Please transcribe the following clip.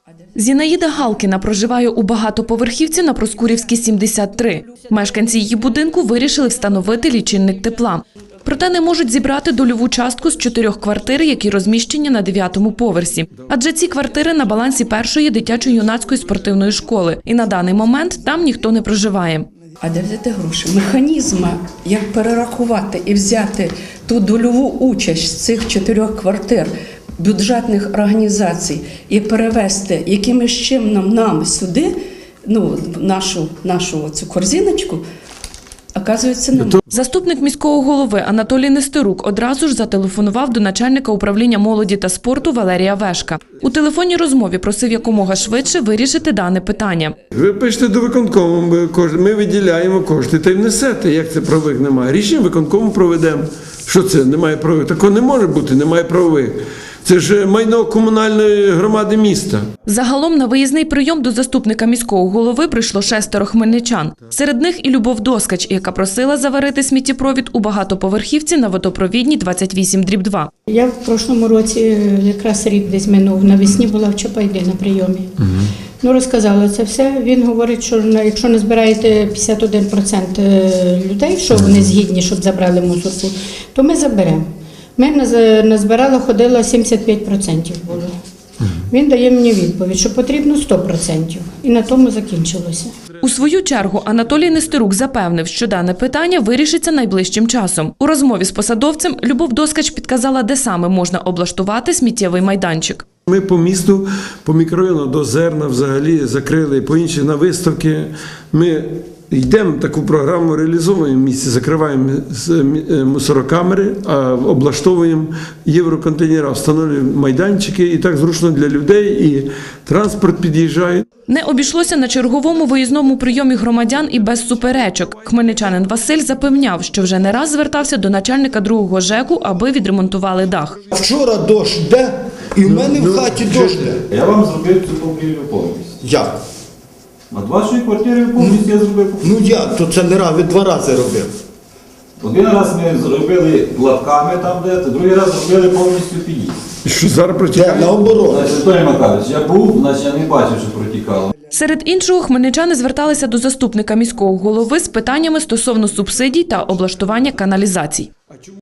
Зінаїда Галкіна проживає у багатоповерхівці на Проскурівській, 73. Мешканці її будинку вирішили встановити лічильник тепла. Проте не можуть зібрати дольову частку з 4 квартир, які розміщені на 9-му поверсі. Адже ці квартири на балансі першої дитячо-юнацької спортивної школи. І на даний момент там ніхто не проживає. А де взяти гроші? Механізму, як перерахувати і взяти ту дольову участь з цих 4 квартир бюджетних організацій і перевести якимось чином нам сюди, нашу цю корзиночку, оказується, немає. Заступник міського голови Анатолій Нестерук одразу ж зателефонував до начальника управління молоді та спорту Валерія Вешка. У телефонній розмові просив якомога швидше вирішити дане питання. Ви пишете до виконкому, ми виділяємо кошти та й внесете. Як це правових немає? Рішення виконкому проведемо. Що це? Немає правових? Такого не може бути, немає правових. Це ж майно комунальної громади міста. Загалом на виїзний прийом до заступника міського голови прийшло 6 хмельничан. Серед них і Любов Доскач, яка просила заварити сміттєпровід у багатоповерхівці на Водопровідній 28/2. Я в прошлому році, якраз рік десь минув, навесні була в Чапайді на прийомі. Розказала це все. Він говорить, що якщо не збираєте 51% людей, що вони згідні, щоб забрали мусорку, то ми заберемо. Ми назбирали, ходило 75% було. Він дає мені відповідь, що потрібно 100%. І на тому закінчилося. У свою чергу Анатолій Нестерук запевнив, що дане питання вирішиться найближчим часом. У розмові з посадовцем Любов Доскач підказала, де саме можна облаштувати сміттєвий майданчик. Ми по місту, по мікрорайону до Зерна взагалі закрили, по інших на виставки. Ми йдемо таку програму, реалізовуємо в місті, закриваємо мусорокамери, а облаштовуємо євроконтейнери, встановлюємо майданчики, і так зручно для людей, і транспорт під'їжджає. Не обійшлося на черговому виїзному прийомі громадян і без суперечок. Хмельничанин Василь запевняв, що вже не раз звертався до начальника 2-го ЖЕКу, аби відремонтували дах. Вчора дощ йде, і в мене в хаті дощ йде. Я вам зробив цю покрівлю повністю. Як? Над вашою квартирою повністю я зробив покрівлю. Як? То це не раз, ви 2 рази робив. Один раз ми зробили лапками там де, другий раз зробили повністю під'їзд. І що зараз протікає? Наоборот. Значить, Анатолій Макарович, я був, значить я не бачив, що протікало. Серед іншого, хмельничани зверталися до заступника міського голови з питаннями стосовно субсидій та облаштування каналізацій.